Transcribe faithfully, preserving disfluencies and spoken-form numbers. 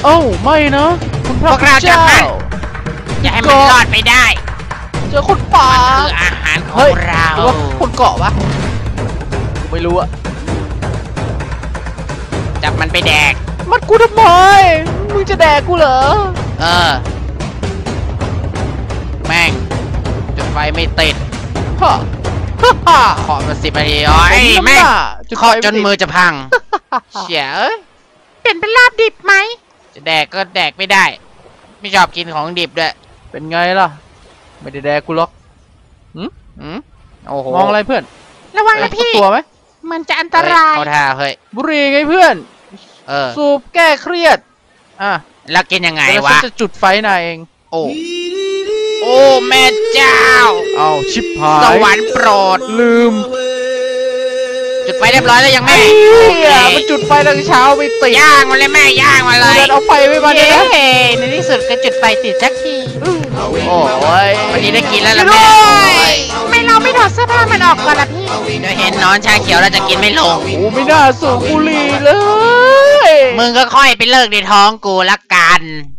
เอ้าไม่นะคุณพระเจ้าอย่าให้มันรอดไปได้เจอคนป่าคืออาหารของเราหรือว่าคนเกาะวะไม่รู้อะจับมันไปแดกมันกูทำไมมึงจะแดกกูเหรอเออแม่งจุดไฟไม่ติดฮ่าฮ่าขอมาสิบนาทีอ๋อแม่งเคาะจนมือจะพังเฉียเปลี่ยนเป็นลาบดิบไหมจะแดกก็แดกไม่ได้ไม่ชอบกินของดิบด้วยเป็นไงล่ะไม่ได้แดกกูหรอกหืมหืมโอ้โหมองอะไรเพื่อนระวังนะพี่ตัวไหมมันจะอันตรายเอาท่าเฮ้ยบุหรี่ไงเพื่อนเออสูบแก้เครียดอ่ะแล้วกินยังไงวะจะจุดไฟนายเองโอ้โอ้แม่เจ้าเอาชิบหายสวรรค์โปรดลืมจุดไฟเรียบร้อยแล้วยังแม่มันจุดไฟตั้งเช้าไม่ติดย่างมาเลยแม่ย่างมาเลยเอาไฟไว้มาเลยนะในที่สุดก็จุดไฟติดสักทีโอ้ยวันนี้ได้กินแล้วล่ะแม่ไม่เราไม่ถอดเสื้อผ้ามันออกก่อนละพี่เดี๋ยวเห็นนอนชาเขียวเราจะกินไม่ลงโอ้ไม่น่าสูบบุหรี่เลยมึงก็ค่อยไปเลิกในท้องกูละกัน